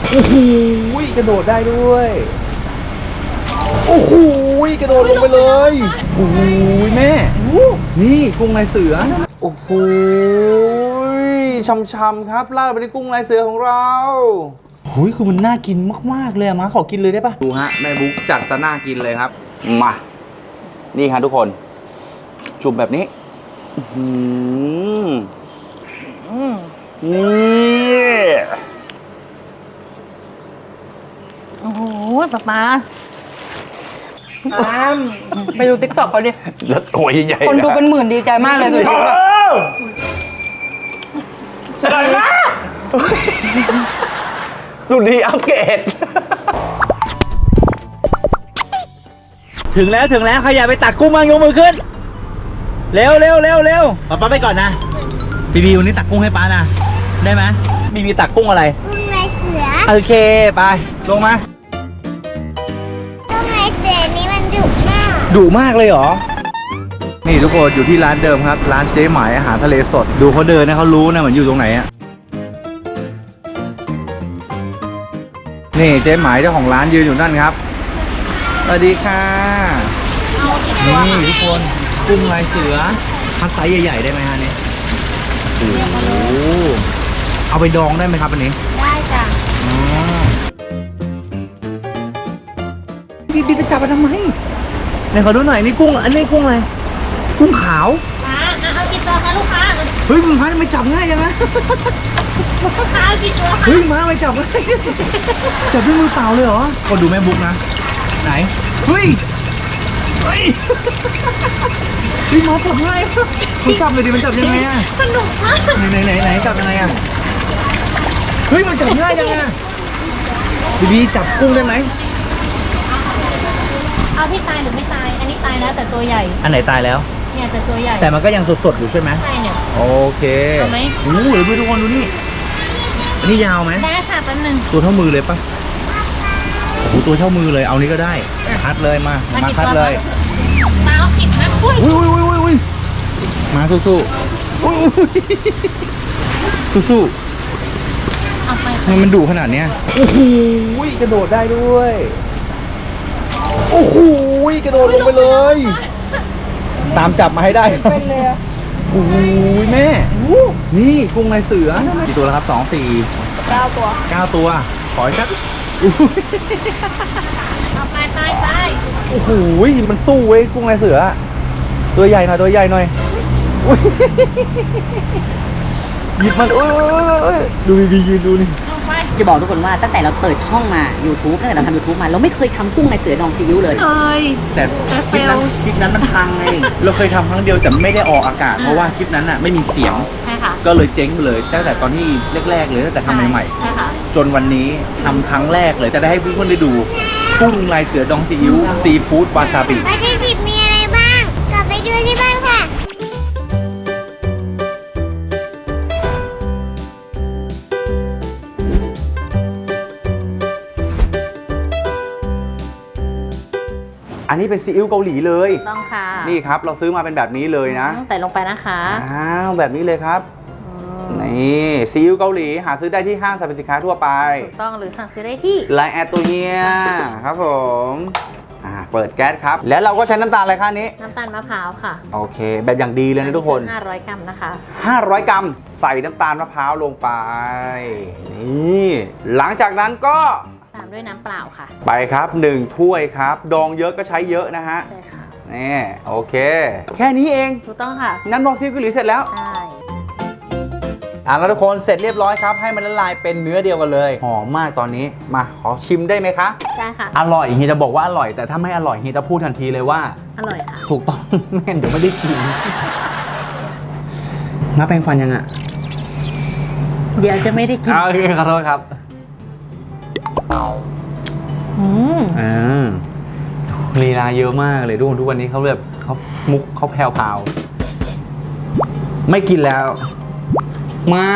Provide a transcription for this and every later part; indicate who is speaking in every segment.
Speaker 1: โอ้โหกระโดดได้ด้วยโอ้โหกระโดดลงไปเลยโอ้โหแม่นี่กุ้งลายเสือโอ้โหช่ำๆครับราดไปในกุ้งลายเสือของเราหุยคือมันน่ากินมากๆเลยมาขอกินเลยได้ปะดูฮะแม่บุ๊กจัดซะน่ากินเลยครับมานี่ครับทุกคนจุ่มแบบนี้นี่
Speaker 2: โอ้โหป๊าไปดูติ๊กต็อกเขาดิ
Speaker 1: แล้วตัวใหญ่ๆ
Speaker 2: คนดูเป็นหมื่นดีใจมากเลยสุดยอดสุดยอดมาก
Speaker 1: สุดดีอัปเกรดถึงแล้วใครอยากไปตักกุ้งบ้างยกมือขึ้นเร็วป้าไปก่อนนะบีวันนี้ตักกุ้งให้ป้านะได้ไหมบีตักกุ้งอะไร
Speaker 3: กุ้งลายเสือ
Speaker 1: โอเคไปลงมา
Speaker 3: กุ้งลายเสือนี้มันดุมาก
Speaker 1: เลยเหรอนี่ทุกคนอยู่ที่ร้านเดิมครับร้านเจ๊หมายอาหารทะเลสดดูเขาเดินนะเขารู้นะเหมือนอยู่ตรงไหนอะนี่เจ๊หมายเจ้าของร้านยืนอยู่นั่นครับสวัสดีค่ะนี่ทุกคนกุ้งลายเสือคัดไซส์ใหญ่ๆได้ไหมฮะนี่โอ้โหเอาไปดองได้ไหมครับอันนี้
Speaker 3: ได้จ้ะ
Speaker 1: ดีไปจับมันทำไมไหนขอดูหน่อยนี่กุ้งอันนี้กุ้งอะไรกุ้งขาว
Speaker 3: เอากี่ตัวคะลูกค้า
Speaker 1: เฮ้ยมันไม่จับง่ายยังไง
Speaker 3: ลูกค้าเอากี่ตัวคะ
Speaker 1: เฮ้ยมาไม่จับง่ายจับด้วยมือเปล่าเลยเหรอคนดูแม่บุ๊กนะไหนเฮ้ยพี่มาจับง่ายมันจับเลยดิมันจับยังไงอะ
Speaker 3: สนุกมาก
Speaker 1: ไหนจับยังไงอะเฮ้ยมันจับง่ายยังไงบีจับกุ้งได้ไหม
Speaker 3: เอาที่ตายหรือไม่ตายอันนี้ตายแล้วแต่ตัวใหญ่
Speaker 1: อันไหนตายแล้ว
Speaker 3: เนี่ยแต่ตัวใหญ่
Speaker 1: แต่มันก็ยังสดๆอยู่ใช่ไหม
Speaker 3: ใช่เนี่ย
Speaker 1: โอเค
Speaker 3: เอาไหม
Speaker 1: โอ้โหเดี๋ยวทุกคนดูนี่อันนี้ยาวไหม
Speaker 3: ได้ค่ะแป๊บนึง
Speaker 1: ตัวเท่ามือเลยปะโอ้โหตัวเท่ามือเลยเอานี้ก็ได้คัดเลยมาคัดเลย
Speaker 3: มาเอาผิดนะอุ้
Speaker 1: ยมาสู้
Speaker 3: เอาไป
Speaker 1: มันดุขนาดเนี้ยโอ้โหกระโดดได้ด้วยโอ้โหกระโดดลงไปเลยตามจับมาให้ได้
Speaker 2: เป็นเลย
Speaker 1: โอ้โหแม่นี่กุ้งลายเสือกี่ตัวแล้วครับ2 4
Speaker 2: 9 ตัว
Speaker 1: 9 ตัวขออีกสัก
Speaker 3: เอาไป
Speaker 1: โอ้โหมันสู้เว้ยกุ้งลายเสือตัวใหญ่หน่อยหยิบมันดูดียืนดูนี่
Speaker 4: จะบอกทุกคนว่าตั้งแต่เราเปิดช่องมา YouTube ตั้งแต่เราทำ YouTube มาเราไม่เคยทำกุ้งลายเสือดองซีอิ๊วเลย
Speaker 1: แต่คลิปนั้นมันพังไงเราเคยทำครั้งเดียวแต่ไม่ได้ออกอากาศเพราะว่าคลิปนั้นไม่มีเสียง
Speaker 3: ใช่ค่ะ
Speaker 1: ก็เลยเจ๊งไปเลยตั้งแต่ตอนที่แรกๆเลยตั้งแต่ทำใหม่ๆจนวันนี้ทำครั้งแรกเลยจะได้ให้เพื่อนๆได้ดูกุ้งลายเสือดองซีอิ๊วซีฟู้ดวาซาบิ
Speaker 3: วัตถุดิบมีอะไรบ้างกลับไปดูที่บ้านค่ะ
Speaker 1: อันนี้เป็นซีอิ๊วเกาหลีเลย
Speaker 2: ต้องค่ะ
Speaker 1: นี่ครับเราซื้อมาเป็นแบบนี้เลยนะ
Speaker 2: แต่ลงไปนะคะ
Speaker 1: แบบนี้เลยครับนี่ซีอิ๊วเกาหลีหาซื้อได้ที่ห้างสรรพสินค้าทั่วไป
Speaker 2: ถูกต้องหรือสั่งซื้อได้ที่
Speaker 1: ไลน์แอดตัวเฮียครับผมเปิดแก๊สครับแล้วเราก็ใช้น้ำตาลอะไรคะนี้
Speaker 2: น้ำตาลมะพร้าวค่ะ
Speaker 1: โอเคแบบอย่างดีเลยนะทุกคน
Speaker 2: 500 กรัมนะคะ
Speaker 1: 500 กรัมใส่น้ำตาลมะพร้าวลงไปนี่หลังจากนั้นก็
Speaker 2: ตามด้วยน้ำเปล่าค่ะ
Speaker 1: ไปครับ1 ถ้วยครับดองเยอะก็ใช้เยอะนะฮะ
Speaker 2: ใช่ค่ะ
Speaker 1: นี่โอเคแค่นี้เอง
Speaker 2: ถูกต้องค่ะ
Speaker 1: น้ำดองซีอิ๊วเกาหลีเสร็จแล้ว
Speaker 2: ใช่
Speaker 1: แล้วทุกคนเสร็จเรียบร้อยครับให้มันละลายเป็นเนื้อเดียวกันเลยหอมมากตอนนี้มาขอชิมได้ไหมคะ
Speaker 2: ได้ค่ะ
Speaker 1: อร่อยเฮียจะบอกว่าอร่อยแต่ถ้าไม่อร่อยเฮียจะพูดทันทีเลยว่า
Speaker 2: อร่อยค่ะ
Speaker 1: ถูกต้องแม่เดี๋ยวไม่ได้กินน้าแปรงฟันยังอ่ะ
Speaker 2: เดี๋ยวจะไม่ได้กิน
Speaker 1: โอเคขอโทษครับลีลาเยอะมากเลยทุกวันนี้เขาแบบเขามุกเขาแผ่วๆไม่กินแล้วมา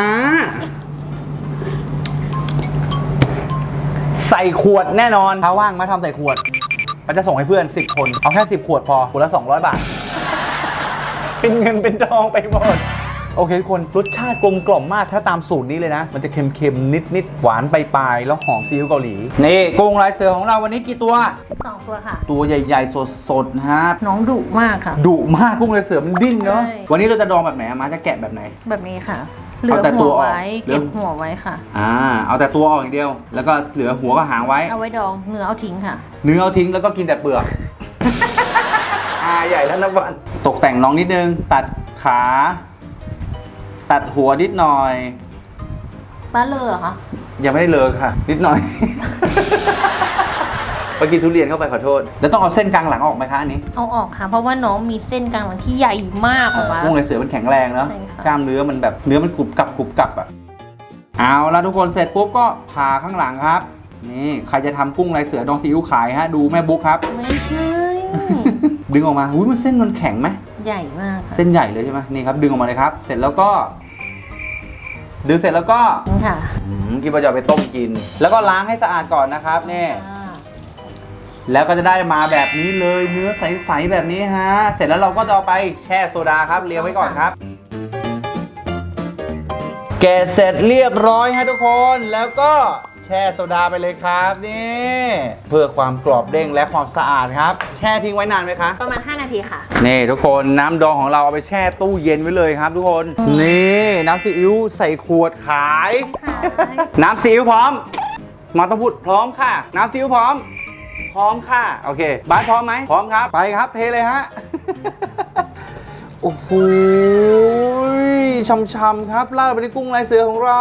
Speaker 1: ใส่ขวดแน่นอนถ้าว่างมาทำใส่ขวดมันจะส่งให้เพื่อน10 คนเอาแค่10 ขวดพอขวดละ200 บาทเป็นเงินเป็นทองไปหมดโโอเคทุกคนรสชาติกลมกล่อมมากถ้าตามสูตรนี้เลยนะมันจะเค็มๆนิดๆหวานปลายๆแล้วหอมซีอิ๊วเกาหลีนี่กุ้งลายเสือของเราวันนี้กี่ตัว
Speaker 2: 12 ตัวค่ะ
Speaker 1: ตัวใหญ่ๆสดๆนะฮะ
Speaker 2: น้องดุมากค่ะ
Speaker 1: ดุมากกุ้งลายเสือมันดิ้นเนาะ
Speaker 2: ใช่
Speaker 1: วันนี้เราจะดองแบบไหนอะมาจะแกะแบบไหน
Speaker 2: แบบนี้ค่ะ เหลือ
Speaker 1: เอาแต่ตั
Speaker 2: หั
Speaker 1: ว
Speaker 2: ว
Speaker 1: ออก
Speaker 2: ไว้
Speaker 1: เหลือ
Speaker 2: เก็บหัวไว้ค่ะ
Speaker 1: เอาแต่ตัวออกอย่างเดียว แล้วก็เหลือหัวกับหางไว้
Speaker 2: เอาไว้ดองเนื้อเอาทิ้งค่ะ
Speaker 1: เนื้อเอาทิ้งแล้วก็กินแต่เปลือก ใหญ่แล้วนะวันตกแต่งน้องนิดนึง ตัดขา ตัดหัวนิดหน่อย
Speaker 2: ป้าเลอเหรอคะ
Speaker 1: ยังไม่ได้เลิกค่ะ นิดหน่อย ไปกินทุเรียนเข้าไปขอโทษ แล้วต้องเอาเส้นกลางหลังออกไหมคะอันนี้
Speaker 2: เอาออกค่ะ เพราะว่าน้องมีเส้นกลางหลังที่ใหญ่มากออกมา
Speaker 1: กุ้งลายเสือมันแข็งแรงเนาะ
Speaker 2: ใช่ค่ะ
Speaker 1: กล้ามเนื้อมันแบบเนื้อมันกรุบกรับอ่ะเอาแล้วทุกคนเสร็จปุ๊บก็ผ่าข้างหลังครับ นี่ใครจะทำกุ้งลายเสือดองซีอิ๊วขายฮะดูแม่บุ๊กครับ
Speaker 2: ไม่ใช่
Speaker 1: ดึงออกมาอุ้ยมันเส้นมันแข็งไหม
Speaker 2: ใหญ่มากค่ะ
Speaker 1: เส้นใหญ่เลยใช่ไหมนี่ครับดึงออกมาเลยครับ เสร็จแล้วก็ดึงเสร็จแล้วก็
Speaker 2: นี่ค่ะ
Speaker 1: คิดว่าจะเอาไปต้มกิน แล้วก็ล้างให้สะอาดก่อนนะครับนี่
Speaker 2: อ่า
Speaker 1: แล้วก็จะได้มาแบบนี้เลยเนื้อใสๆแบบนี้ฮะเสร็จแล้วเราก็จะเอาไปแช่โซดาครับเรียงไว้ก่อนครับ แกะเสร็จเรียบร้อยฮะทุกคนแล้วก็แช่โซดาไปเลยครับนี่เพื่อความกรอบเด้งและความสะอาดครับ แช่ทิ้งไว้นานไหมคะ
Speaker 2: ประมาณ 5 นาทีค่ะ
Speaker 1: นี่ทุกคนน้ำดองของเราเอาไปแช่ตู้เย็นไว้เลยครับ ทุกคนนี่น้ำซีอิ๊วใส่ขวดขาย
Speaker 2: ขาย
Speaker 1: น้ำซีอิ๊วพร้อมมาต้องพูดพร้อมค่ะ น้ำซีอิ๊วพร้อม พร้อมค่ะโอเคบ้านพร้อมไหมพร้อมครับไปครับเทเลยฮะ โอ้โหช่ำๆครับราดไปในกุ้งลายเสือของเรา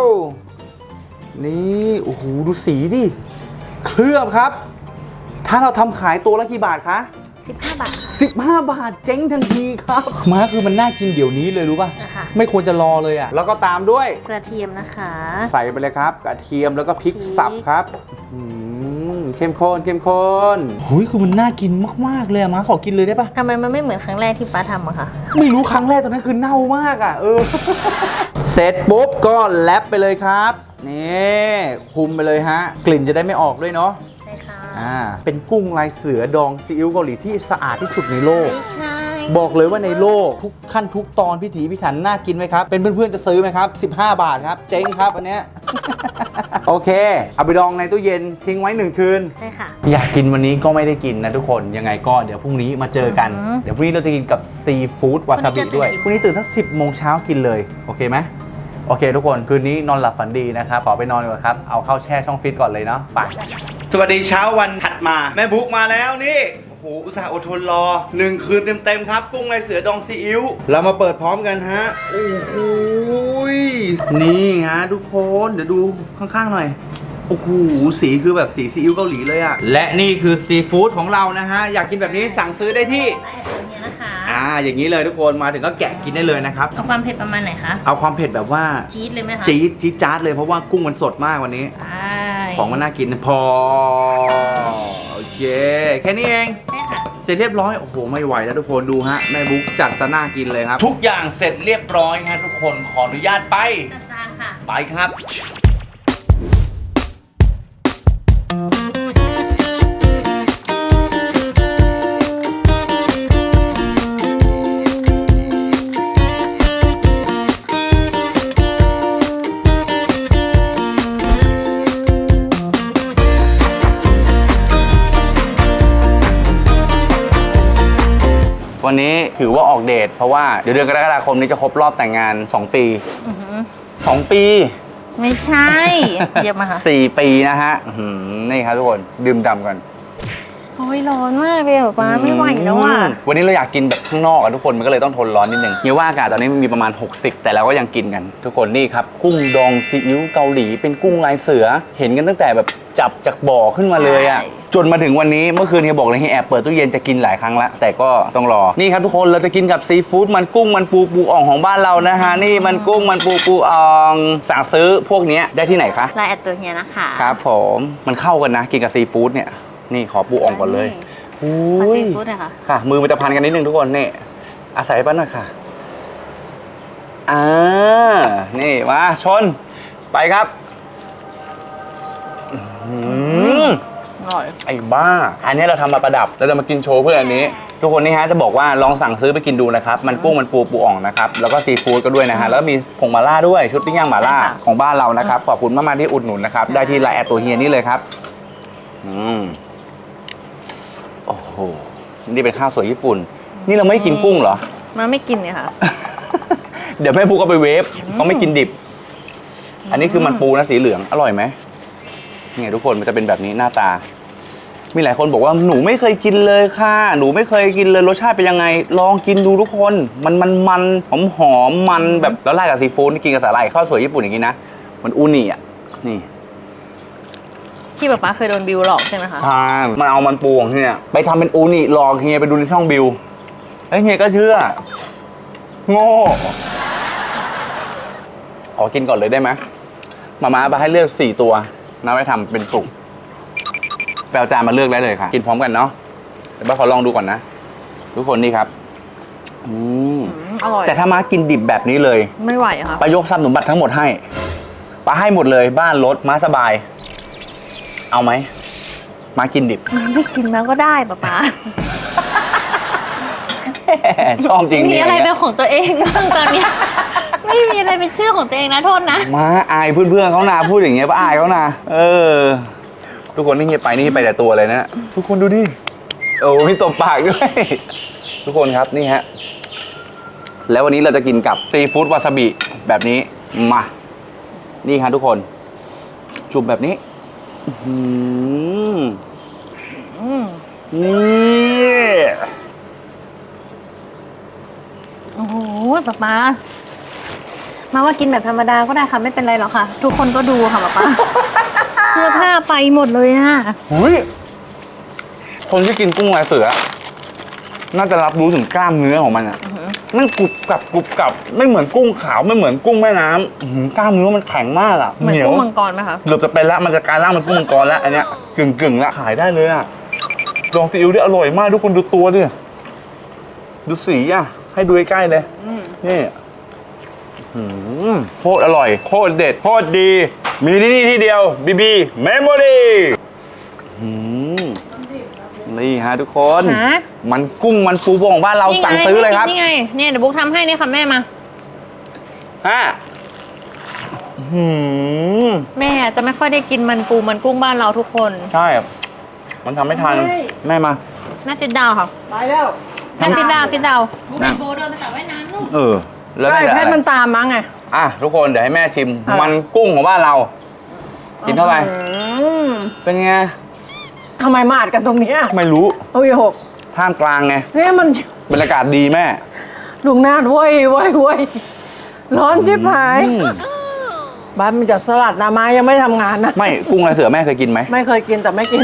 Speaker 1: นี่โอ้โหดูสีดิเคลือบครับ ถ้าเราทำขายตัวละกี่บาทคะ
Speaker 2: 15 บาทค่ะ
Speaker 1: 15 บาทเจ๊งทันทีครับม้าคือมันน่ากินเดี๋ยวนี้เลยรู้ป่ะ
Speaker 2: นะคะ
Speaker 1: ไม่ควรจะรอเลยอ่ะแล้วก็ตามด้วย
Speaker 2: กระเทียมนะคะ
Speaker 1: ใส่ไปเลยครับกระเทียมแล้วก็พริกสับครับเข้มข้นเข้มข้นหุยคือมันน่ากินมากๆเลยอะม้าขอกินเลยได้ปะ
Speaker 2: ทำไมมันไม่เหมือนครั้งแรกที่ป้าทำอะคะ
Speaker 1: ไม่รู้ครั้งแรกตอนนั้นคือเน่ามากอ่ะเสร็จปุ๊บก็แรปไปเลยครับนี่คุมไปเลยฮะกลิ่นจะได้ไม่ออกด้วยเนาะ
Speaker 2: ใช่ค่ะ
Speaker 1: เป็นกุ้งลายเสือดองซีอิ๊วเกาหลีที่สะอาดที่สุดในโลก
Speaker 2: ไม่ใช่
Speaker 1: บอกเลยว่าในโลกทุกขั้นทุกตอนพิถีพิถันน่ากินไหมครับ เป็นเพื่อนๆจะซื้อไหมครับ 15 บาทครับ เจ๊งครับอันเนี้ย โอเค เอาไปดองในตู้เย็นทิ้งไว้1 คืน
Speaker 2: ใช่ค่ะ
Speaker 1: อยากกินวันนี้ก็ไม่ได้กินนะทุกคนยังไงก็เดี๋ยวพรุ่งนี้มาเจอกัน เดี๋ยวพรุ่งนี้เราจะกินกับซีฟู้ดวาซาบิด้วยพรุ่งนี้ตื่นสัก10 โมงเช้ากินเลยโอเคไหมโอเคทุกคนคืนนี้นอนหลับฝันดีนะครับขอไปนอนก่อนครับเอาเข้าแช่ช่องฟิตก่อนเลยเนาะไปสวัสดีเช้าวันถัดมาแม่บุ๊กมาแล้วนี่โอ้โหอุตส่าห์อดทนรอ1 คืนเต็มๆครับกุ้งลายเสือดองซีอิ๊วเรามาเปิดพร้อมกันฮะโอ้โหนี่ฮะทุกคนเดี๋ยวดูข้างๆหน่อยโอ้โหสีคือแบบสีซีอิ๊วเกาหลีเลยอะและนี่คือซีฟู้ดของเรานะฮะอยากกินแบบนี้สั่งซื้อได้ที่
Speaker 2: ไอตัวเนี้ยนะคะ
Speaker 1: อย่างนี้เลยทุกคนมาถึงก็แกะกินได้เลยนะครับ
Speaker 2: เอาความเผ็ดประมาณไหนคะ
Speaker 1: เอาความเผ็ดแบบว่า
Speaker 2: จี๊ดเลยไหมคะ
Speaker 1: จี๊ดจ๊าดเลยเพราะว่ากุ้งมันสดมากวันนี้
Speaker 2: ใช่
Speaker 1: ของมันน่ากินพอโอเคแค่นี้เอง
Speaker 2: ใช่ค่ะ
Speaker 1: เสร็จเรียบร้อยโอ้โหไม่ไหวแล้วทุกคนดูฮะแม่บุ๊กจัดซะน่ากินเลยครับ ทุกอย่างเสร็จเรียบร้อยฮะทุกคนขออนุญาตไป
Speaker 2: จัดจานค่ะ
Speaker 1: ไปครับ วันนี้ถือว่าออกเดทเพราะว่าเดี๋ยวเดือนกรกฎาคมนี้จะครบรอบแต่งงาน 2 ปี
Speaker 2: อือหือ
Speaker 1: 2 ปี
Speaker 2: ไม่ใช่ เยี่ยมมาค่ะ
Speaker 1: 4 ปีนะฮะนี่ครับทุกคนดื่มด่ำกัน
Speaker 2: โอ้ยร้อนมากเลยอะป้าไม่ไหวแล้วอ่ะ
Speaker 1: วันนี้เราอยากกินแบบข้างนอกอะทุกคนมันก็เลยต้องทนร้อนนิดนึงเฮียว่าอากาศตอนนี้มันมีประมาณ60แต่เราก็ยังกินกันทุกคนนี่ครับกุ้งดองซีอิ๊วเกาหลีเป็นกุ้งลายเสือเห็นกันตั้งแต่แบบจับจากบ่อขึ้นมาเลยอะ
Speaker 2: ใช่
Speaker 1: จนมาถึงวันนี้เมื่อคืนเฮียบอกเลยเฮียแอบเปิดตู้เย็นจะกินหลายครั้งละแต่ก็ต้องรอนี่ครับทุกคนเราจะกินกับซีฟู้ดมันกุ้งมันปูอ่องของบ้านเรานะฮะนี่มันกุ้งมันปูอ่องสั่งซื้อพวกนี้ได้ที่ไหนคะ
Speaker 2: ไลน์แอดตัวเนี้ยนะคะ
Speaker 1: ครับผมมันเข้ากันนะกินกับซีฟู้ดเนี่ยนี่ขอปูอ่องก่อนเลย
Speaker 2: ขอซีฟู้ดหน่อยค่ะ
Speaker 1: ค่ะมือมันจะพันกันนิดนึงทุกคนนี่อาศัยป้าหน่อยค่ะนี่มาชนไปครับ
Speaker 2: อร่อย
Speaker 1: ไอ้บ้าอันนี้เราทำมาประดับเราจะมากินโชว์เพื่อนอันนี้ทุกคนนี่ฮะจะบอกว่าลองสั่งซื้อไปกินดูนะครับมันกุ้งมันปูอ่องนะครับแล้วก็ซีฟู้ดก็ด้วยนะฮะแล้วก็มีผงหม่าล่าด้วยชุดปิ้งย่างหม่าล่าของบ้านเรานะครับขอบคุณมากๆที่อุดหนุนนะครับได้ที่ไลน์แอดตัวเฮียนี่เลยครับโอ้โหนี่เป็นข้าวสวยญี่ปุ่นนี่เราไม่กินกุ้งเหรอ
Speaker 2: มาไม่กินเนี่ยค่ะ
Speaker 1: เดี๋ยวแม่ปูก็ไปเวฟเขาไม่กินดิบ อันนี้คือมันปูนะสีเหลืองอร่อยไหมเนี่ยทุกคนมันจะเป็นแบบนี้หน้าตามีหลายคนบอกว่าหนูไม่เคยกินเลยค่ะหนูไม่เคยกินเลยรสชาติเป็นยังไงลองกินดูทุกคนมันหอมมันแบบแล้วราดกับซีฟู้ดกินกับสาหร่ายข้าวสวยญี่ปุ่นอย่างนี้นะมันอูนิอ่ะนี่
Speaker 2: ที่ป๊าเคยโดนบิวหลอกใช่ไหมคะ
Speaker 1: ใช่มันเอามันปูของเฮียไปทำเป็นอูนิหลอกเฮียไปดูในช่องบิวเฮ้ยเฮียก็เชื่อโง่ขอกินก่อนเลยได้ไหมมาไปให้เลือก4ตัวนะไว้ทำเป็นสุกแปลจานมาเลือกได้เลยค่ะกินพร้อมกันเนาะเดี๋ยวป้าขอลองดูก่อนนะทุกคนนี่ครับ
Speaker 2: อร่อย
Speaker 1: แต่ถ้ามากินดิบแบบนี้เลย
Speaker 2: ไม่ไหวค่ะ
Speaker 1: ป้ายกทรัพย์สมบัติทั้งหมดให้ป้าให้หมดเลยบ้านรถม้าสบายเอาไหมมากินดิบ
Speaker 2: ไม่กินแล้วก็ได้ป๊า
Speaker 1: ชอบจริง
Speaker 2: มีอะไรเป็นของตัวเองบ้างตอนนี้ ไม่มีอะไรเป็นชื่อของตัวเองนะโทษนะ
Speaker 1: มาอายเพื่อนๆเขานาพูดอย่างเงี้ยป้าอายเขานาทุกคนนี่เงียบไปนี่ไปแต่ตัวเลยนะทุกคนดูดิโอ้มีตบปากด้วยทุกคนครับนี่ฮะแล้ววันนี้เราจะกินกับซีฟู้ดวาซาบิแบบนี้มานี่ครับทุกคนจุ่มแบบนี้นี่
Speaker 2: โอ้โหป๊ามาว่ากินแบบธรรมดาก็ได้ค่ะไม่เป็นไรหรอกค่ะทุกคนก็ดูค่ะป๊าเสื้อผ้าไปหมดเลยอ่ะ
Speaker 1: คนที่กินกุ้งลายเสือน่าจะรับรู้ถึงกล้ามเนื้อของมันอ่ะมันกรุบกรับไม่เหมือนกุ้งขาวไม่เหมือนกุ้งแม่น้ำกล้ามเนื้อมันแข็งมากอ่ะ
Speaker 2: เหมือนกุ้งมังกรไหมคะ
Speaker 1: เกือบจะเป็นละมันจะกลายร่างเป็นกุ้งมังกรแล้วอันเนี้ยกึ่งละขายได้เลยอ่ะลองซีอิ๊วได้อร่อยมากทุกคนดูตัวดิดูสีอ่ะให้ดูใกล้ๆเลยนี่โคตรอร่อยโคตรเด็ดโคตรดีมีที่นี่ที่เดียวบีบีเมมโมรี่นี่ฮะทุกคนมันกุ้งมันปูของบ้านเราสั่งซื้อเลยครับ
Speaker 2: นี่ไงเนี่ยเดี๋ยวบุ๊กทำให้นี่ค่ะแม่มาแม่จะไม่ค่อยได้กินมันปูมันกุ้งบ้านเราทุกคน
Speaker 1: ใช่มันทำไม่ทันแม่มา
Speaker 2: แม่จิดดาวค่ะ
Speaker 4: ไปแล้ว
Speaker 2: แม่จิดดาว
Speaker 3: บุ๊กไปโบเดินไปสระว่ายน้ำนู่น
Speaker 1: แล้วแม่
Speaker 2: เพชรมันตามมั้งไง
Speaker 1: ทุกคนเดี๋ยวให้แม่ชิมมันกุ้งของบ้านเรากินเข้าไปเป็นไง
Speaker 2: ทำไมมาอัดกันตรงนี้
Speaker 1: ไม่รู้
Speaker 2: โอ้ยหก
Speaker 1: ท่ามกลางไง
Speaker 2: เนี่ยมัน
Speaker 1: บรรยากาศดีแม่
Speaker 2: ลุงนาดว้ยร้อนชิบหายบ้านมันจะสลัดนาไม้ยังไม่ทำงานนะ
Speaker 1: ไม่กุ้งลายเสือแม่เคยกินไหม
Speaker 2: ไม่เคยกินแต่ไม่กิน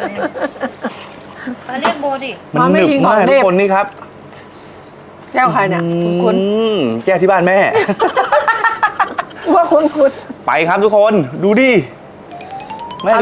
Speaker 3: มาเรียกโบดิ
Speaker 1: มันหนึบมากทุกคนนี่ครับ
Speaker 2: แก้วใครเนี่ยคุณ
Speaker 1: แก้วที่บ้านแม่
Speaker 2: ว่าคุณ
Speaker 1: ไปครับทุกคนดูดิแม่ดู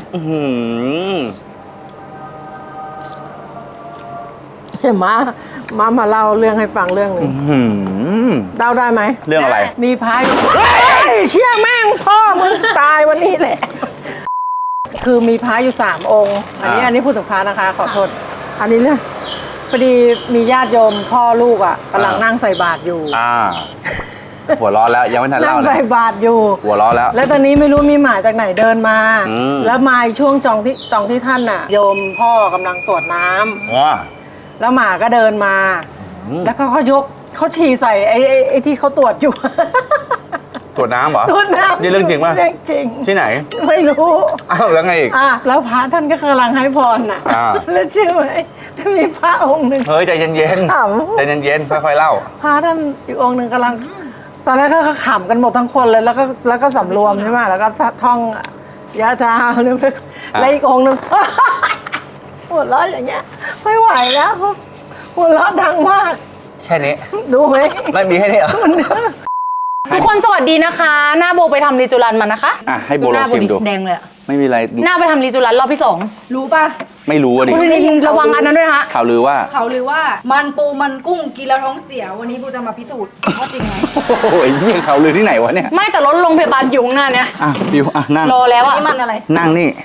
Speaker 2: เห็นมาเล่าเรื่องให้ฟังเรื่องหนึ่งเล่าได้ไหม
Speaker 1: เรื่องอะไร
Speaker 2: มีพายเชี่ยแม่งพ่อมึงตายวันนี้แหละคือมีพระอยู่3 องค์อันนี้พูดถึงพระนะคะขอโทษอันนี้เรื่องพอดีมีญาติโยมพ่อลูกอ่ะกำลังนั่งใส่บาตรอยู่
Speaker 1: หัวร้อนแล้วยังไม่ทันเล่าเลย
Speaker 2: นั่งใส่บาตรอยู่
Speaker 1: หัวร้อนแล้ว
Speaker 2: ตอนนี้ไม่รู้มีหมาจากไหนเดินมาแล้วมาช่วงจองที่ท่านน่ะโยมพ่อกำลังตรวจน้ำแล้วหมาก็เดินมาแล้วก็เขาฉี่ใส่ไอ้ที่เขาตรวจอยู่
Speaker 1: ตรวจน้ำเหรอ
Speaker 2: ตรวจน้ำ
Speaker 1: นี่เรื่องจริงป่ะ
Speaker 2: จริง
Speaker 1: ที่ไหน
Speaker 2: ไม่รู้
Speaker 1: แล้วไงอีก
Speaker 2: แล้วพระท่านก็กำลังให้พรน่ะแล้วเชื่อไหมจะมีพระองค์หนึ่ง
Speaker 1: เฮ้ยใจเย็นๆใจเย็นๆค่อยๆเล่า
Speaker 2: พระท่านอีกองค์หนึ่งกำลังตอนแรกก็ขำกันหมดทั้งคนเลยแล้วก็สำรวมใช่ไหมแล้วก็ท่องยะถาเนี่ยแล้วอีกองค์หนึ่งหัวเราะอย่างเงี้ยไม่ไหวแล้วหัวเราะดังมาก
Speaker 1: แค่นี้
Speaker 2: ดูไหม
Speaker 1: ไม่มีแค่นี้เหรอ
Speaker 2: ทุกคนสวัสดีนะคะหน้าโบไปทำรีจูรันมานะคะ
Speaker 1: ให้โบลองชิมดู
Speaker 2: แดงเลย
Speaker 1: ไม่มีอะไร
Speaker 2: หน้าไปทำรีจูรันรอบที่2รู้ป่ะ
Speaker 1: ไม่รู้อ่ะดิ
Speaker 2: ระวังอันนั้นด้วยนะ
Speaker 1: ข่าวลือว่า
Speaker 2: มันปูมันกุ้งกินแล้วท้องเสียวันนี้โบจะมาพิสูจน์ว่าจริงไหม
Speaker 1: โอ้ยนี่ข่าวลือที่ไหนวะเนี่ย
Speaker 2: ไม่แต่รถโรงพยาบาลอยู่ข้างหน้าเนี่ย
Speaker 1: บิวนั่ง
Speaker 2: รอแล้วอ่ะนี่มันอะไร
Speaker 1: นั่งนี่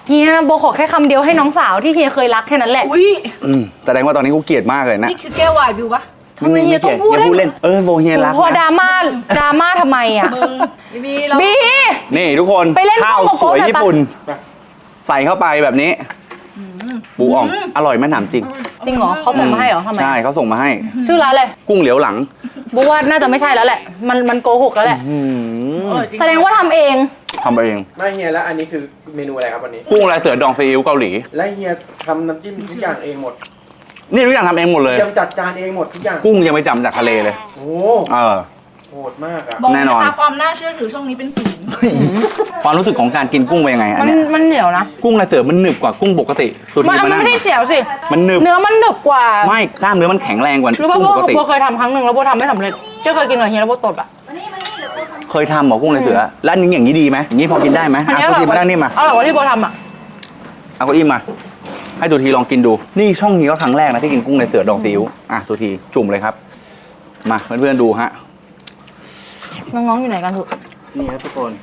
Speaker 5: เฮียโบขอแค่คำเดียวให้น้องสาวที่เฮียเคยรักแค่นั้นแหละ
Speaker 2: อุ้ย
Speaker 1: แสดงว่าตอนนี้กูเกลียดมากเลยนะ
Speaker 2: นี่คือแก้ววายบิวปะ
Speaker 5: ทำไมเฮียต้องพูด
Speaker 1: เฮียพูดเล่นโบเฮียรัก
Speaker 5: พอด
Speaker 1: นะ
Speaker 5: ราม่าทำไมอ่ะ
Speaker 2: มึงบีเรา
Speaker 5: บี
Speaker 1: นี่ทุกคน
Speaker 5: ไปเล่น
Speaker 1: ข้าว
Speaker 5: โกโก้
Speaker 1: สวย
Speaker 5: หน่อยปะ
Speaker 1: ญี่ปุ่น ใส่เข้าไปแบบนี้ปูอ่องอร่อยไหมถามจริง
Speaker 5: จริงเหรอเขาส่งมาให้เหรอทำไม
Speaker 1: ใช่เขาส่งมาให้
Speaker 5: ชื่อร้านอะไร
Speaker 1: กุ้งเหลียวหลัง
Speaker 5: โบว่าน่าจะไม่ใช่แล้วแหละ มันโกหกแล้วแหละ แสดงว่าทำเอง
Speaker 1: ทำเอง
Speaker 6: ไม่เฮียแล้วอันนี้คือเมนูอะไรครับวันนี้
Speaker 1: กุ้งลายเสือดองซีอิ๊วเกาหลี
Speaker 6: และเฮียทำน้ำจิ้มทุกอย่างเองหมด
Speaker 1: นี่ทุกอย่างทำเองหมดเลย
Speaker 6: เตรียมจัดจานเองหมดทุกอย่าง
Speaker 1: กุ้งยังไม่จำจากทะเลเลย
Speaker 6: โอ้ โหดมากอ่ะ
Speaker 2: บอก
Speaker 1: แน่นอน
Speaker 2: นะคะความน่าเชื่อถือช่วงนี้เป็นศูนย์
Speaker 1: ความรู้สึกของการกินกุ้งเป็นยังไงอันเนี้ย
Speaker 5: มันเหนียวนะ
Speaker 1: กุ้งลายเสือมันหนึบกว่ากุ้งปกติสุด
Speaker 5: มัน
Speaker 1: ที่มัน
Speaker 5: ไม่ใช่เสียวสิ
Speaker 1: มันหนึบ
Speaker 5: เนื้อมันหนึบกว่า
Speaker 1: ไม่กล้ามเนื้อมันแข็งแรงกว่า
Speaker 5: รู้ป่ะ
Speaker 1: กุ้งปกติ
Speaker 5: โบเคยทำครั้งหนึ่งแล้วโบทำไม่สำเร็จก็เคยกินกับเฮียแล้วโบตดอ่ะ
Speaker 1: เคยทำเหรอกุ้งลายเสือแล้วอันนี้อย่างนี้ดีไหมอย่างนี้พอกินได้ไหม
Speaker 5: อันนี้
Speaker 1: อ่ะตัวทีมาด้านนี้มา
Speaker 5: อร่อยกว่าที่โบทำอ่ะ
Speaker 1: เอาเก้าอี้มา ให้ตัวทีลองกินดู นี่ช่องนี้ก็ครั้งแรกนะที่กินกุ้งลายเสือดองซีอิ๊วอ่ะตัวทีจุ่มเลยครับ มาเพื่อนๆดูฮะ
Speaker 5: น้องๆอยู่ไหนกันถูก
Speaker 1: นี่ครับทุกคน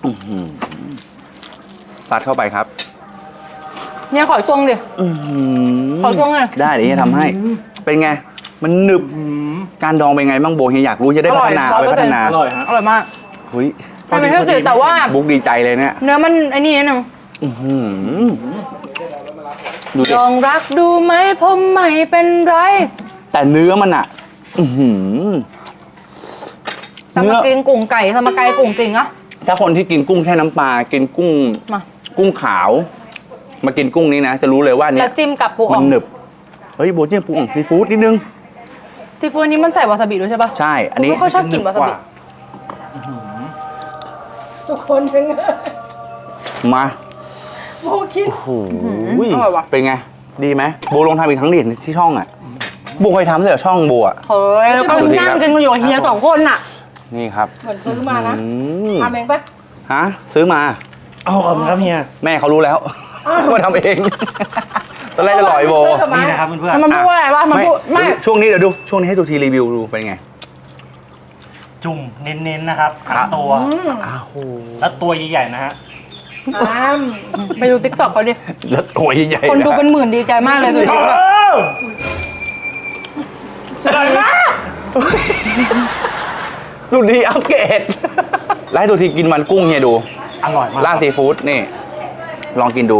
Speaker 1: ซัดเข้าไปครับ
Speaker 5: เนี่ยขออีกตวงดิขออีกตวงเลย
Speaker 1: ได้เดี๋ยวจะทำให้ เป็นไง มันหนึบ การดองเป็นไงบ้างโบเฮียอยากรู้จะได้พัฒนา
Speaker 5: อร่
Speaker 1: เอา
Speaker 5: อย
Speaker 1: ไปพัฒนา
Speaker 6: อร่อยฮะ
Speaker 5: อร่อยมาก
Speaker 1: เฮ้ย
Speaker 5: มันไม่ใช่เสียวแต่ว่า
Speaker 1: บุ๊กดีใจเลยเนี่ย
Speaker 5: เนื้อมันไอ้นี่นิดนึง
Speaker 1: อื้อหือดูดิ
Speaker 5: ลองรักดูไหมผมไม่เป็นไร
Speaker 1: แต่เนื้อมันอะอื้อหือ
Speaker 5: สมากินกุ้งไก่สมาไก่กุ้งกิ่งอะ
Speaker 1: ถ้าคนที่กินกุ้งแค่น้ำปลา กินกุ้ง
Speaker 5: มา
Speaker 1: กุ้งขาว มากินกุ้งนี้นะ จะรู้เลยว่า
Speaker 5: แล้
Speaker 1: เนี่
Speaker 5: วย จิ้มกับปูอ่
Speaker 1: มั
Speaker 5: อน ง
Speaker 1: หนึบ เฮ้ยโบจิ้มปูอ่องซีฟู้ดนิดนึง
Speaker 5: ซีฟู้ดนี้มันใส่วาซาบิด้วยใช่ปะ
Speaker 1: ใช่ อันนี้
Speaker 5: ไม่ค่อยชอบกินวาซาบิ
Speaker 2: ทุกคนเป็นไง
Speaker 1: มา
Speaker 2: โบคิด
Speaker 1: โอ้โห
Speaker 5: อร่อยว่ะ
Speaker 1: เป็นไง ดีไหมโบลองทำอีกครั้งดิที่ช่องอ่ะโบเคยทำเลยเหรอช่องโบอ่ะ
Speaker 5: เฮ้ยแล้วก็นั่งกันอยู่กับเฮีย2 คนน่ะ
Speaker 1: นี่ครับ
Speaker 2: เหมือนซื้อมานะ
Speaker 1: อืม
Speaker 2: ทำเองปะ
Speaker 1: ฮะซื้อมา
Speaker 6: เอาขอบคุณครับเฮีย
Speaker 1: แม่เขารู้แล้วว่าทำเอง ตอนแรกจะหลอยโบ
Speaker 6: นี่นะครับเพื่อน
Speaker 5: แล้วมันพูดว่าอะไรวะมันพูดไม่
Speaker 1: ช่วงนี้เดี๋ยวดู ช่วงนี้ให้ตัวทีรีวิวดูเป็นไง
Speaker 6: ๆจุ่มเน้นๆนะครับทั้งตัว
Speaker 1: อ้าว
Speaker 6: แล้วตัวใหญ่ๆนะฮะ
Speaker 5: ไปดูติ๊กต็อกเขาดิ
Speaker 1: แล้วตัวใหญ่ๆ
Speaker 5: คนดูเป็นหมื่นดีใจมากเลยสุดยอด
Speaker 1: สุดดีอัปเกรดแล้วให้ตัวทีกินมันกุ้งเฮียดู
Speaker 6: อร่อยมาก
Speaker 1: ราดซีฟู้ดนี่ ลองกินดู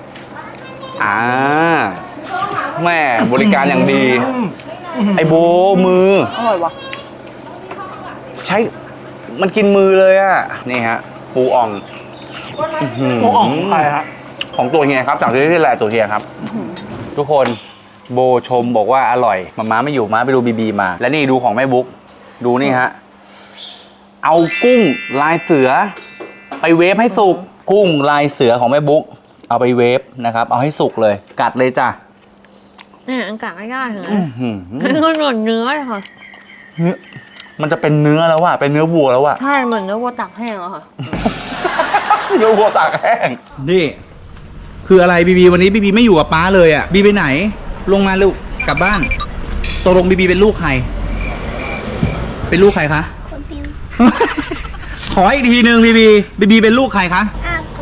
Speaker 1: แม่บริการอย่างดี ไอโบมือ
Speaker 5: อร่อยว่ะ
Speaker 1: ใช้มันกินมือเลยอะนี่ฮะ ปูอ่อง
Speaker 6: ปูอ่องของใครฮะ
Speaker 1: ของตัวเฮียครับสั่งซื้อที่แหละตัวเฮียครับ ทุกคนโบชมบอกว่าอร่อยมาไม่อยู่มาไปดูบีมา และนี่ดูของแม่บุ๊กดูนี่ฮะ เอากุ้งลายเสือ ไปเวฟให้สุก กุ้งลายเสือของแม่บุ๊กเอาไปเวฟนะครับ เอาให้สุกเลย กัดเลยจ้ะ
Speaker 3: เนี่ยอันกะไม่ได้เหรอ
Speaker 1: อื้อหือ
Speaker 3: มันก็หนวดเนื้อเลยค่ะ
Speaker 1: เนื้อมันจะเป็นเนื้อแล้วว่ะเป็นเนื้อวัวแล้วว่ะ
Speaker 3: ใช่เหมือนเนื้อวัวตักแห้งอะค่ะ
Speaker 1: เนื้อวัวตากแห้งนี่คืออะไรบีวันนี้บีไม่อยู่กับป้าเลยอ่ะบีไปไหน ลงมาลูกกลับบ้านตกลงบีเป็นลูกใคร เป็นลูกใครคะ ขออีกทีหนึ่งบีเป็นลูกใครคะ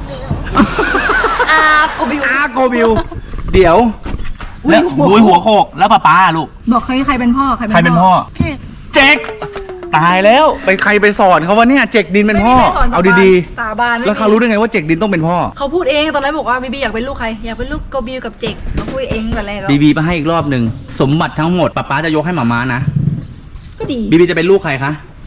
Speaker 1: อาโกบิวอาโกบิวเดี๋ยวแล้วบุยหัวโขกแล้วป้าลูก
Speaker 5: บอกใครเป็นพ่อ
Speaker 1: ใครเป็นพ่อเจ๊กตายแล้วไปใครไปสอนเขาวะเนี่ยเจ๊กดินเป็นพ่อเอาดี
Speaker 2: สาบาน
Speaker 1: ๆแล้วเขารู้ได้ไงว่าเจ๊กดินต้องเป็นพ่อ
Speaker 2: เขาพูดเองตอนแรกบอกว่าบีอยากเป็นลูกใครอยากเป็นลูกโกบิวกับเจกเขาพูดเองแต่แรกแล้ว
Speaker 1: บีมาให้อีกรอบหนึ่งสมบัติทั้งหมดป๊าจะยกให้หม่าม้านะ
Speaker 2: ก็ดี
Speaker 1: บีจะเป็นลูกใครคะ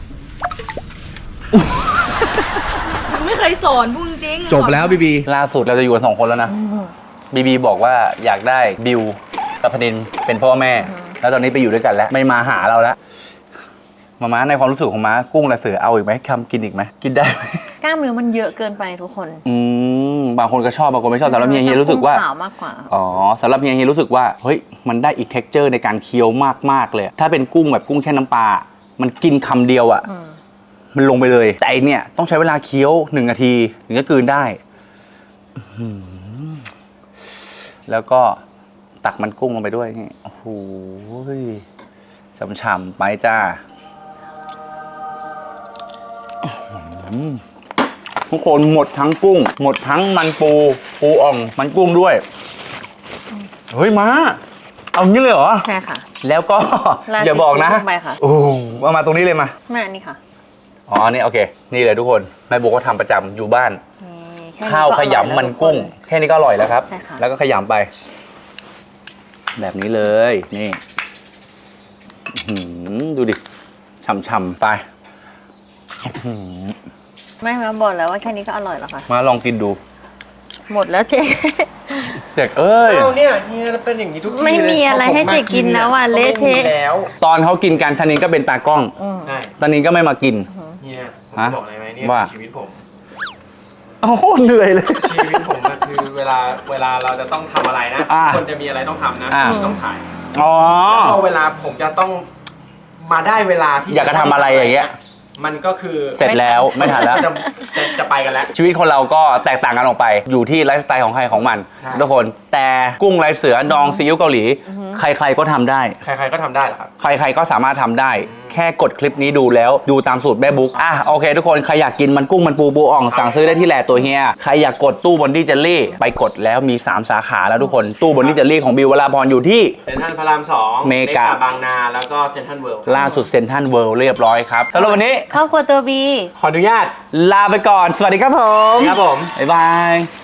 Speaker 2: ไม่เคยสอนพูดจริง
Speaker 1: จบแล้วบีล่าสุดเราจะอยู่กัน2 คนแล้วนะบีบอกว่าอยากได้บิวกับพนินเป็นพ่อแม่ แล้วตอนนี้ไปอยู่ด้วยกันแล้วไม่มาหาเราแล้วมาม้าในความรู้สึกของม้ากุ้งลายเสือเอาอีกไหมทำกินอีกไหมกินได้ไหม
Speaker 3: กล้ามเนื้อมันเยอะเกินไปทุกคน
Speaker 1: บางคนก็ชอบบางคนไม่ชอบสำหรับเฮียรู้สึกว่า
Speaker 3: ขาวมากกว่า
Speaker 1: อ๋อสำหรับเฮียรู้สึกว่าเฮ้ยมันได้อีกเท็กเจอร์ในการเคี้ยวมากๆเลยถ้าเป็นกุ้งแบบกุ้งแช่น้ำปลามันกินคำเดียวอ่ะมันลงไปเลยแต่อันเนี่ยต้องใช้เวลาเคี้ยว1 นาทีถึงจะกลืนได้แล้วก็ตักมันกุ้งลงไปด้วยนี่โอ้โหฉ่ำๆไปจ้าทุกคนหมดทั้งกุ้งหมดทั้งมันปูปูอ่องมันกุ้งด้วย เฮ้ยมาเอางี้เลยเหรอ
Speaker 3: ใช่ค่ะ
Speaker 1: แล้วก็
Speaker 3: ราด
Speaker 1: อย่าบอกนะ
Speaker 3: พริกลงไปค่ะ
Speaker 1: โอ้เอามาตรงนี้เลยมา
Speaker 3: แม่นี่ค่ะ
Speaker 1: อ๋อนี่โอเค นี่เลยทุกคนแม่บุ๊กก็ทำประจำอยู่บ้าน
Speaker 3: นี่แค่นี้
Speaker 1: ข้าว
Speaker 3: ก็
Speaker 1: ข
Speaker 3: อร่อยแล้ว
Speaker 1: ยำมัน
Speaker 3: ทุค
Speaker 1: กุ้ง แค่นี้ก็อร่อยแล้วครับ
Speaker 3: ใช่ค่ะ
Speaker 1: แล้วก็ขยำไป แบบนี้เลย นี่อื้อหือดูดิฉ่ำๆไปอื้อหือ
Speaker 3: ไม่มาบอกแล้วว่าแค่นี้ก็อร่อยแล้วค่ะ
Speaker 1: มาลองกินดู
Speaker 3: หมดแล้วเจ๊
Speaker 1: เด็กเอ้ย
Speaker 6: เอาเนี่ยเฮียเป็นอย่างนี้ทุกที
Speaker 3: ไม่มีอะไรให้เจ๊กินแล้วอ่ะเละเทะ
Speaker 6: ไม่มีแล้ว
Speaker 1: ตอนเขากินกันธนินก็เป็นตากล้อง
Speaker 6: ใช่
Speaker 1: ธนินก็ไม่มากิน
Speaker 6: เฮียผม
Speaker 1: ฮะ
Speaker 6: บอกอะไรไหมเนี่ย
Speaker 1: ว่า
Speaker 6: ชีวิตผม
Speaker 1: โอ้โหเหนื่อยเลย
Speaker 6: ชีวิตผมอะคือเวลาเราจะต้องทำอะไรนะ
Speaker 1: อ่า
Speaker 6: คนจะมีอะไรต้องทำนะ
Speaker 1: อ่า
Speaker 6: ผมต้องถ่าย
Speaker 1: อ๋อ
Speaker 6: พอเวลาผมจะต้องมาได้เวลาที่
Speaker 1: อยากจะทำอะไรอย่างเงี้ย
Speaker 6: มันก็คือ
Speaker 1: เสร็จแล้วไม่ทันแล้ว
Speaker 6: จะไปกันแล้ว
Speaker 1: ชีวิตคนเราก็แตกต่างกันออกไป อยู่ที่ไลฟ์สไตล์ของใครของมัน
Speaker 6: ใช่
Speaker 1: ทุกคน แต่กุ้งลายเสือดองซีอิ๊วเกาหลี ใครๆก็ทำได้
Speaker 6: ใครๆก็ทำได้เหรอครับ
Speaker 1: ใครๆก็สามารถทำได้ แค่กดคลิปนี้ดูแล้วดูตามสูตรแม่บุ๊กอ่ะโอเคทุกคน ใครอยากกินมันกุ้งมันปูอ่องสั่งซื้อได้ที่แหล่ตัวเฮีย ใครอยากกดตู้บอนดี้เจลลี่ ไปกดแล้วมี 3 สาขาแล้วทุกคน ตู้บอนดี้เจลลี่ของบิววราพรอยู่ที่
Speaker 6: เซ็นทรัลพระราม2
Speaker 1: เมกะ
Speaker 6: บางนา แล้วก็เซ็นทรัลเวิลด์
Speaker 1: ล่าสุดเซ็นทรัลเวิลด์เรียบร้อยครับสำหรับวันนี้
Speaker 3: ครอบครัวตัวบี
Speaker 6: ขออนุญาต
Speaker 1: ลาไปก่อน สวัสดีครับผม
Speaker 6: ครับผม
Speaker 1: บ๊ายบาย